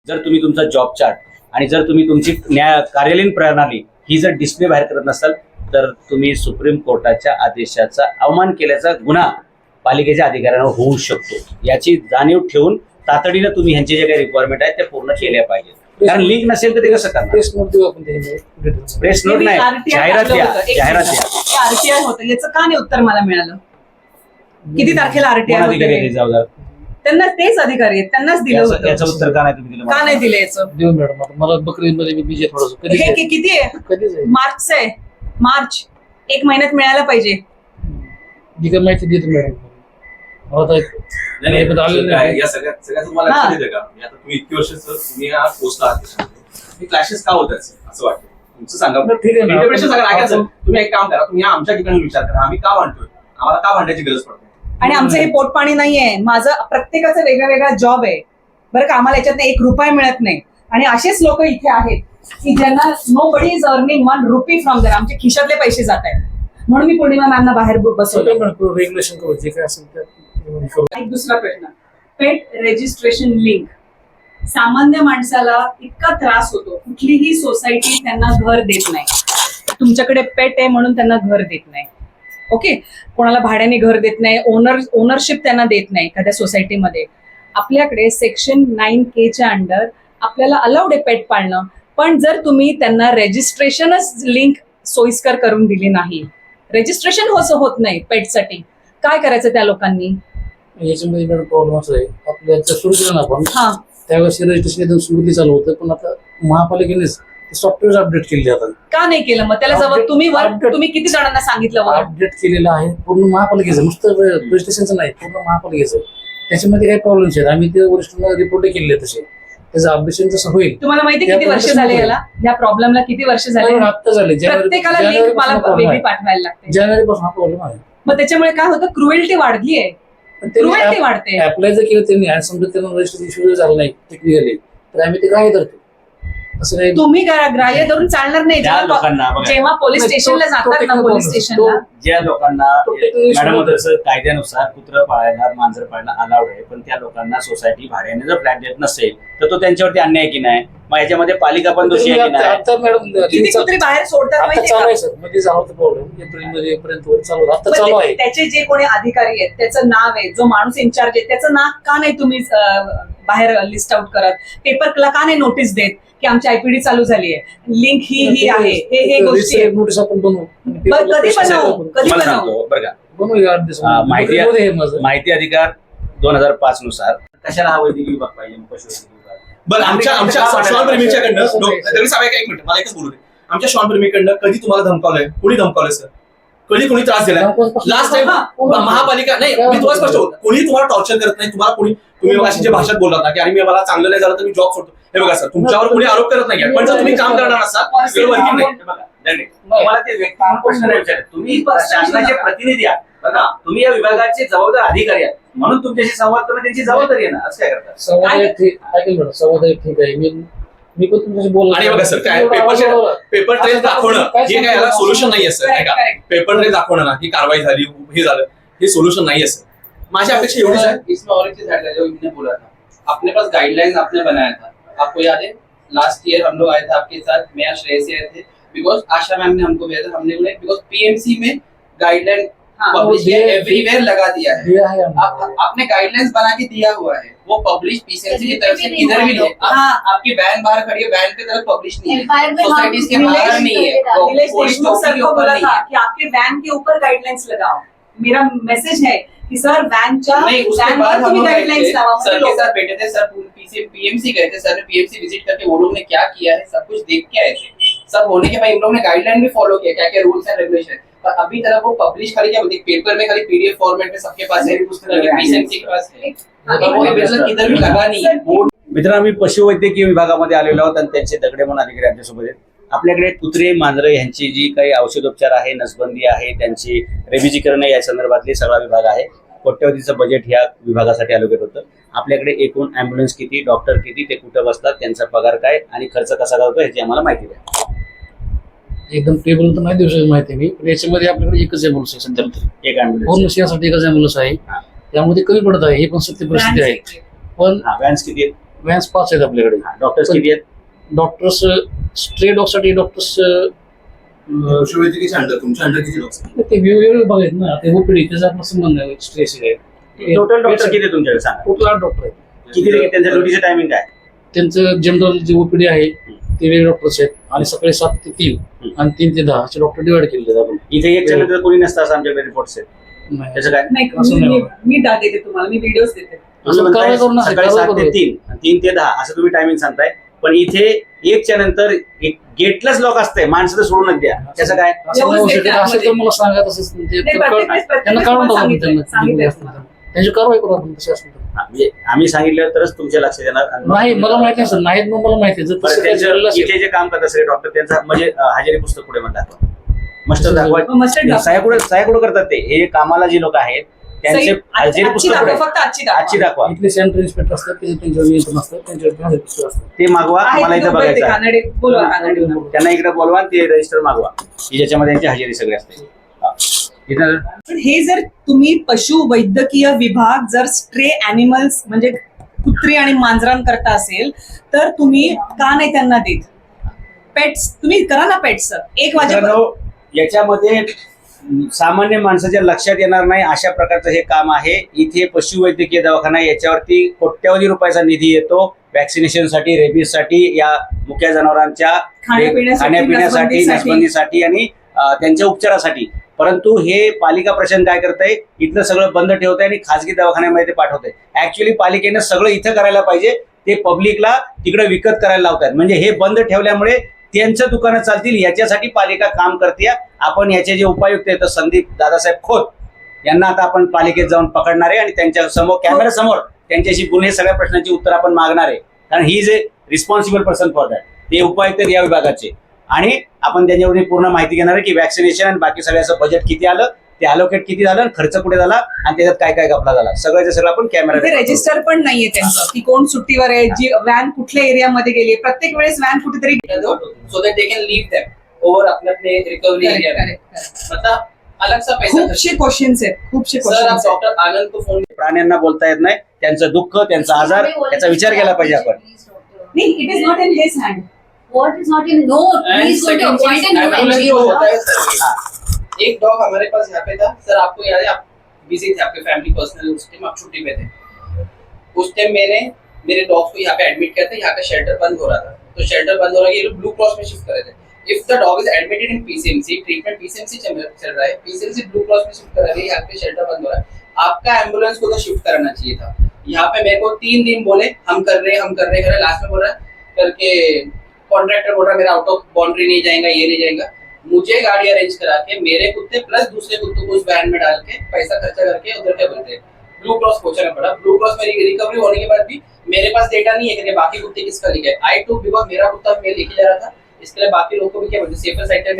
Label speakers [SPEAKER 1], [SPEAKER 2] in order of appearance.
[SPEAKER 1] जर तुम्ही तुमचा जॉब चार्ट आणि जर तुम्ही तुमची कार्यालयीन प्रणाली ही जर डिस्प्ले बाहेर करत नसाल तर तुम्ही सुप्रीम कोर्टाच्या आदेशाचा अवमान केल्याचा गुन्हा पालिकेच्या अधिकाऱ्यांवर होऊ शकतो. याची जाणीव ठेवून तातडीनं तुम्ही ह्यांचे जे काही रिक्वायरमेंट आहेत त्या पूर्ण केल्या पाहिजेत. कारण लिंक नसेल तर ते कसं करणार?
[SPEAKER 2] प्रेस नोट देऊ आपण त्याच्यामध्ये.
[SPEAKER 1] प्रेस नोट नाही, जाहिरात द्या.
[SPEAKER 3] आरटीआय होतं याचं का नाही उत्तर मला मिळालं? किती तारखेला आरटीआय
[SPEAKER 1] अधिकारी जबाबदार
[SPEAKER 3] त्यांना तेच अधिकारी आहेत, त्यांनाच दिलं होतं.
[SPEAKER 1] याचं उत्तर का नाही तुम्ही दिलं?
[SPEAKER 3] का नाही दिलं याचं?
[SPEAKER 2] देऊ मॅडम. आता मला बकरीमध्ये मी बिझी थोडंसं
[SPEAKER 3] हे किती आहे?
[SPEAKER 2] कधीच आहे
[SPEAKER 3] मार्च आहे. मार्च 1 महिन्यात मिळायला पाहिजे.
[SPEAKER 2] जी काय माहिती देतो मॅडम. मला
[SPEAKER 4] या सगळ्यात तुम्हाला लक्षात येतं का? आता तुम्ही इतकी वर्ष तुम्ही या पोस्टला आहात, हे क्लॅशेस का होतात असं वाटतं? तुमचं सांगा.
[SPEAKER 2] ठीक आहे ना.
[SPEAKER 4] इंटरप्रिटेशन सांगा. ऐकायचं तुम्ही एक काम करा, तुम्ही आमच्या ठिकाणी विचार करा, आम्ही का भांडतोय, आम्हाला का भांडायची गरज पडते.
[SPEAKER 3] आणि आमचं हे पोटपाणी नाहीये. माझं प्रत्येकाचं वेगळा वेगळा जॉब आहे बरं का. आम्हाला याच्यात 1 रुपया मिळत नाही. आणि असेच लोक इथे आहेत की ज्यांना nobody is earning 1 rupee from there. आमचे खिशातले पैसे जात आहेत म्हणून मी पूर्णिमा मॅमना बाहेर बसवलं.
[SPEAKER 2] रेग्युलेशन करू जे काय असेल ते.
[SPEAKER 3] एक दुसरा प्रश्न, पेट रजिस्ट्रेशन लिंक. सामान्य माणसाला इतका त्रास होतो, कुठलीही सोसायटी त्यांना घर देत नाही. तुमच्याकडे पेट आहे म्हणून त्यांना घर देत नाही. ओके, कोणाला भाड्याने घर देत नाही, ओनरशिप त्यांना देत नाही एखाद्या सोसायटीमध्ये. आपल्याकडे सेक्शन 9K च्या अंडर आपल्याला अलाउड आहे पेट पाळणं. पण जर तुम्ही त्यांना रजिस्ट्रेशनच लिंक सोयीस्कर करून दिली नाही, रजिस्ट्रेशन होत नाही पेटसाठी, काय करायचं त्या लोकांनी?
[SPEAKER 2] याच्यामध्ये मॅडम प्रॉब्लेम असं आहे, आपल्या सुरू केलं ना आपण त्यावेळेस रजिस्ट्रेशन एकदम सुरुवाती चालू होतं, पण आता महापालिकेनेच सॉफ्टवेअर अपडेट केले आता.
[SPEAKER 3] का नाही केलं मग? त्याला जवळ तुम्ही किती जणांना सांगितलं?
[SPEAKER 2] अपडेट केलेलं आहे पूर्ण महापालिकेचं, नुसतं रजिस्ट्रेशनचं नाही, पूर्ण महापालिकेचं. त्याच्यामध्ये काही प्रॉब्लेम्स आहेत. आम्ही ते वरिष्ठांना रिपोर्ट केले तसे. त्याचं अपडेशन जसं होईल.
[SPEAKER 3] तुम्हाला माहिती किती वर्ष झाले याला, या प्रॉब्लेमला किती वर्ष झाले?
[SPEAKER 2] आता झाले.
[SPEAKER 3] प्रत्येकाला लिंक मला वेगळी पाठवायला लागते.
[SPEAKER 2] जानेवारी पासून हा प्रॉब्लेम आहे.
[SPEAKER 3] मग त्याच्यामुळे काय होतं, क्रुएल्टी वाढली आहे. क्रुएल्टी वाढते.
[SPEAKER 2] अप्लाय जर केलं त्यांनी आणि समजा त्यांना रजिस्ट्रेशन इश्यू झालं नाही टेक्निकली, तर आम्ही ते काय करतो असं नाही.
[SPEAKER 3] तुम्ही ग्राह्य धरून चालणार नाही. जेव्हा पोलीस स्टेशनला जातात ना, पोलीस स्टेशनला
[SPEAKER 1] ज्या लोकांना मॅडम तसं कायद्यानुसार कुत्रं पाळायला मांजर पाळायला अलाउड आहे, पण त्या लोकांना सोसायटी भाड्याने जर फ्लॅट देत नसेल तर तो त्यांच्यावरती अन्याय की नाही? मग याच्यामध्ये पालिका पण दोषी आहे की नाही?
[SPEAKER 2] आता मॅडम
[SPEAKER 3] किती कुत्री बाहेर सोडतात माहिती आहे
[SPEAKER 2] सर, मध्ये झाला होता प्रॉब्लेम एप्रिलमध्ये पर्यंत चालू होता. आता चालू आहे.
[SPEAKER 3] त्याचे जे कोणी अधिकारी आहेत त्याचं नाव आहे, जो माणूस इन्चार्ज आहे त्याचं नाव का नाही तुम्ही बाहेर लिस्ट आउट करत? पेपरला का नाही नोटीस देत की आमची आयपीडी चालू झाली आहे, लिंक ही आहे, हे गोष्टी
[SPEAKER 2] नोटीस आपण बनवू.
[SPEAKER 3] कधी बनवू?
[SPEAKER 1] बरं का, माहिती अधिकार 2005 नुसार कशाला हा वैद्यकीय विभाग पाहिजे? पशुवैद्यकीय विभाग.
[SPEAKER 4] बरं, आमच्या श्वान प्रेमीच्याकडनं एक मिनिट मला एकच बोलू दे. आमच्या श्वान प्रेमीकडनं कधी तुम्हाला धमकावलंय? कोणी धमकावलंय सर? कधी कोणी त्रास दिलाय? लास्ट टाइम महापालिका नाही, मी तुम्हाला स्पष्ट होतो, कोणी तुम्हाला टॉर्चर करत नाही. तुम्हाला कोणी, तुम्ही अशी जे भाषेत बोललात ना की आणि मला चांगलं नाही झालं तर मी जॉब सोडतो, हे बघा सर, तुमच्यावर कोणी आरोप करत नाही. पण जर तुम्ही काम करणार असाल
[SPEAKER 1] तुम्हाला ते व्यक्ती प्रश्न नाही विचारत. तुम्ही शासनाचे प्रतिनिधी आहात बघा, तुम्ही या विभागाचे जबाबदार अधिकारी आहात, म्हणून तुमच्याशी संवाद करणं त्यांची जबाबदारी आहे ना. असं काय करतात?
[SPEAKER 2] संवाद ठीक आहे. मी पण तुमच्याशी बोललो.
[SPEAKER 4] आणि बघा सर, काय पेपर ट्रेल दाखवणं हे काय याला सोल्युशन नाहीये सर. नाही का, पेपर ट्रेल दाखवणं ना की कारवाई झाली, हे झालं, हे सोल्युशन नाहीये सर. माझी अपेक्षा एवढीच आहे.
[SPEAKER 5] इसमें और एक चीज ऐड कर, जो इन्होंने बोला था, अपने पास गाइडलाइंस आपने बनाया था, आपको याद है? लास्ट ईयर हम लोग आए थे आपके साथ, मैं श्रेय से आए थे, बिकॉज आशा मैम ने हमको भेजा था. हमने बोला बिकॉज पीएमसी में गाइडलाइन पब्लिश एवरीवेयर लगा दिया है. आपने गाइडलाइंस बना के दिया हुआ है, वो पब्लिश पीसीएमसी की तरफ से किधर भी नहीं है. आपकी वैन बाहर खड़ी है, वैन की तरफ पब्लिश नहीं है, सोसाइटीज के बाहर नहीं है.
[SPEAKER 3] सर को बोला था कि आपके वैन के ऊपर गाइडलाइंस लगाओ. मेरा मैसेज है कि सर वैनच्या वैनवर तुम्ही गाइडलाइंस लावा.
[SPEAKER 5] सर के साथ बैठे थे, सर पीएमसी गए थे, सर ने पीएमसी विजिट करके वो लोग ने क्या किया है सब कुछ देख के आए थे. सब होने के बाद इन लोगों ने गाइडलाइन भी फॉलो किया, क्या क्या रूल्स एंड रेगुलेशन. पर अभी तरफ वो पब्लिश खाली क्या बोलते, पेपर में खाली पीडीएफ फॉर्मेट में सबके पास है, पीसीएमसी के पास है, वो मतलब किधर भी लगा नहीं है.
[SPEAKER 1] मित्रांनो, आम्ही पशुवैद्यकीय विभागामध्ये आलेलो आहोत आणि त्यांचे दगडे म्हणून अधिकारी आमच्यासोबत आहेत. आपल्याकडे कुत्रे मांजरे यांची जी काही औषधोपचार आहे, नसबंदी आहे, त्यांची रेबिजीकरण या संदर्भातली सगळा विभाग आहे. कोट्यवधीचं बजेट ह्या विभागासाठी अलोकेट होतं. आपल्याकडे एकूण ॲम्ब्युलन्स किती, डॉक्टर किती, ते कुठं बसतात, त्यांचा पगार काय आणि खर्च कसा करतो ह्याची आम्हाला माहिती द्या.
[SPEAKER 2] एकदम टेबल तर नाही देऊ शकत माहिती मी, पण याच्यामध्ये आपल्याकडे एकच ॲम्ब्युलन्स आहे सध्या तरी.
[SPEAKER 1] एक ॲम्ब्युलन्स
[SPEAKER 2] पूर्ण शहरासाठी एकच ॲम्ब्युलन्स आहे. त्यामध्ये कमी पडत आहे, हे पण सत्य परिस्थिती आहे. पण
[SPEAKER 1] व्हॅन्स किती आहेत?
[SPEAKER 2] व्हॅन्स 5 आहेत आपल्याकडे.
[SPEAKER 1] डॉक्टर्स किती आहेत?
[SPEAKER 2] डॉक्टर्स स्ट्रे डॉगसाठी डॉक्टर्स
[SPEAKER 4] पशुवैद्यकीय अंडर तुमच्या अंडर किती लोक
[SPEAKER 2] ते वेगवेगळे विभाग आहेत ना. ते ओपीडी त्याचा आपला संबंध आहे स्ट्रेस आहे.
[SPEAKER 1] टोटल डॉक्टर किती आहे तुमच्याकडे सांगा?
[SPEAKER 2] टोटल 8 डॉक्टर आहेत.
[SPEAKER 1] किती त्यांचं ड्युटीचं टायमिंग काय?
[SPEAKER 2] त्यांचं जनरल जे ओपीडी आहे ते वेगळे डॉक्टर्स आहेत आणि सकाळी 7 ते 3 आणि 3 ते 10 असे डॉक्टर डिवाइड केलेले आहेत आपण.
[SPEAKER 1] इथे एक चॅनल तर कोणी नसतं असं आमच्याकडे रिपोर्ट्स आहेत.
[SPEAKER 2] नाही.
[SPEAKER 1] त्याचं काय?
[SPEAKER 3] नाही
[SPEAKER 2] असं नाही
[SPEAKER 3] मी- मी देते तुम्हाला, मी व्हिडिओज देते.
[SPEAKER 1] तुम्ही म्हणताय
[SPEAKER 2] कारवाई करू नका,
[SPEAKER 1] सकाळी
[SPEAKER 2] कारवाई
[SPEAKER 1] 7 ते
[SPEAKER 2] करू.
[SPEAKER 1] 3 आणि 3 ते 10 असं तुम्ही टायमिंग सांगताय, पण इथे एकच्या नंतर एक गेटलाच लॉक असते, माणसं तर सोडूनच द्या. त्याचं काय?
[SPEAKER 2] असं नाही होऊ शकत. असं तर मला सांगा तसं
[SPEAKER 3] नाही, प्रत्येक वेळेस
[SPEAKER 2] त्यांना काढून टाकू आपण त्यांना.
[SPEAKER 3] सांगितलंय तुम्हाला.
[SPEAKER 2] त्यांची कारवाई करू आपण तसे असतील तर.
[SPEAKER 1] म्हणजे आम्ही सांगितलं तरच तुमच्या लक्षात येणार.
[SPEAKER 2] नाही मला माहिती आहे सर, नाहीत मग मला माहिती आहे. जर
[SPEAKER 1] बरं,
[SPEAKER 2] तसं काही
[SPEAKER 1] त्यांचं
[SPEAKER 2] झालेलं असेल-
[SPEAKER 1] इथे जे काम करत असेल डॉक्टर त्यांचा म्हणजे हजेरी पुस्तक पुढे म्हणतात मस्टर दाखवा.
[SPEAKER 3] मस्टर्ड दाखवा.
[SPEAKER 1] साहेब करतात ते हे कामाला जे लोक आहेत त्यांचे
[SPEAKER 3] सही-
[SPEAKER 1] हजेरी
[SPEAKER 3] आजची
[SPEAKER 1] पुस्तक
[SPEAKER 3] दाखवा,
[SPEAKER 1] पुढे
[SPEAKER 3] फक्त आजची दाखवा.
[SPEAKER 1] आजची दाखवा.
[SPEAKER 2] इथले सेंटर इन्स्पेक्टर असतात त्याचे त्यांच्यावर नियंत्रण असतं, त्यांच्यावर हजेरी पुस्तक असतं.
[SPEAKER 1] ते मागवा,
[SPEAKER 3] आहेत
[SPEAKER 1] मला इथे
[SPEAKER 3] लोकं ते
[SPEAKER 1] बघायचं आहे.
[SPEAKER 3] कानडे, बोलवा कानडे.
[SPEAKER 1] त्यांना इकडे बोलवा आणि ते रजिस्टर मागवा की ज्याच्यामध्ये त्यांची हजेरी सगळी असते. हा. इथं
[SPEAKER 3] पण हे जर तुम्ही पशु वैद्यकीय विभाग जर स्ट्रे अॅनिमल्स म्हणजे कुत्री आणि मांजरांकरता असेल तर तुम्ही का नाही त्यांना देत? पेट्स तुम्ही करा ना पेट्स. 1 वाजेपर्यंत
[SPEAKER 1] मित्रांनो, याच्यामध्ये सामान्य माणसाच्या लक्षात येणार नाही अशा प्रकारचं हे काम आहे. इथे पशुवैद्यकीय दवाखाना याच्यावरती कोट्यवधी रुपयाचा निधी येतो व्हॅक्सिनेशनसाठी, रेबीजसाठी, या मुक्या जनावरांच्या खाण्यापिण्यासाठी, नसबंदीसाठी आणि त्यांच्या उपचारासाठी. परंतु हे पालिका प्रशासन काय करतंय, इथलं सगळं बंद ठेवतंय आणि खासगी दवाखान्यामध्ये ते पाठवतंय. ऍक्च्युअली पालिकेनं सगळं इथं करायला पाहिजे, ते पब्लिकला तिकडे विकत करायला लावतात. म्हणजे हे बंद ठेवल्यामुळे त्यांचं दुकानं चालतील याच्यासाठी पालिका काम करते. आपण याचे जे उपायुक्त आहेत संदीप दादासाहेब खोत यांना आता आपण पालिकेत जाऊन पकडणार आहे आणि त्यांच्या समोर कॅमेरा समोर त्यांच्याशी गुन्हे सगळ्या प्रश्नांची उत्तर आपण मागणार आहे. कारण ही जे रिस्पॉन्सिबल पर्सन फॉर दॅट ते उपायुक्त या विभागाचे, आणि आपण त्यांच्यावरून पूर्ण माहिती घेणार आहे की वॅक्सिनेशन आणि बाकी सगळ्याचं बजेट किती आलं, ते अलोकेट किती झालं, खर्च कुठे झाला आणि त्याच्यात काय काय घपला झाला, सगळ्याचं सगळं आपण कॅमेरा.
[SPEAKER 3] रजिस्टर पण नाहीये त्यांचं की कोण सुट्टीवर आहे, जी व्हॅन कुठल्या एरियामध्ये गेली. प्रत्येक वेळेस व्हॅन कुठेतरी
[SPEAKER 5] so that they can leave them over अपने अपने रिकवरी एरिया में. मतलब अलग सा पैसा
[SPEAKER 3] खूपशे क्वेश्चन्स आहेत, खूपशे
[SPEAKER 5] सर आप
[SPEAKER 3] क्वेश्चन्स.
[SPEAKER 5] डॉक्टर आनंद को फोन
[SPEAKER 1] प्राण्यांना बोलता येत नाही, त्यांचं दुःख, त्यांचा आजार, याचा विचार केला पाहिजे आपण.
[SPEAKER 3] नाही, it is not in his hand.
[SPEAKER 6] What is not in? No,
[SPEAKER 5] And
[SPEAKER 6] please go to
[SPEAKER 5] second
[SPEAKER 6] appoint
[SPEAKER 5] चीज,
[SPEAKER 6] a new
[SPEAKER 5] ambulance
[SPEAKER 6] NGO.
[SPEAKER 5] जो होता है सर, एक डॉग हमारे पास यहाँ पे था सर, आपको याद है आप बिजी थे, आपके फैमिली पर्सनल उस टाइम आप छुट्टी पे थे. उस टाइम मैंने मेरे डॉग्स को यहाँ पे एडमिट किया था. यहाँ का शेल्टर बंद हो रहा था, तो शेल्टर बंद हो रहा है, ये लोग ब्लू क्रॉस में शिफ्ट कर रहे थे. If the dog is admitted in PCMC, treatment PCMC चल रहा है, पीसीएमसी ब्लू क्रॉस में शिफ्ट कर रहा है, यहाँ पे शेल्टर बंद हो रहा है, आपका एम्बुलेंस को तो शिफ्ट कराना चाहिए था. यहाँ पे मेरे को 3 दिन बोले हम कर रहे लास्ट में बोल रहा है करके कॉन्ट्रैक्टर बोल रहा है मेरा आउट ऑफ बाउंड्री नहीं जाएगा, ये नहीं जाएगा. मुझे गाड़ी अरेंज करा के मेरे कुत्ते प्लस दूसरे कुत्तों को उस वैन में डाल के पैसा खर्चा करके उधर क्या बोलते हैं ब्लू क्रॉस पहुंचाना पड़ा. ब्लू क्रॉस में रिकवरी होने के बाद भी मेरे पास डेटा नहीं है कि बाकी कुत्ते किसका लेके. आई टू बिकॉज मेरा कुत्ता मैं लेके जा रहा था, इसके लिए बाकी लोगों को भी क्या बोलते सेफर साइड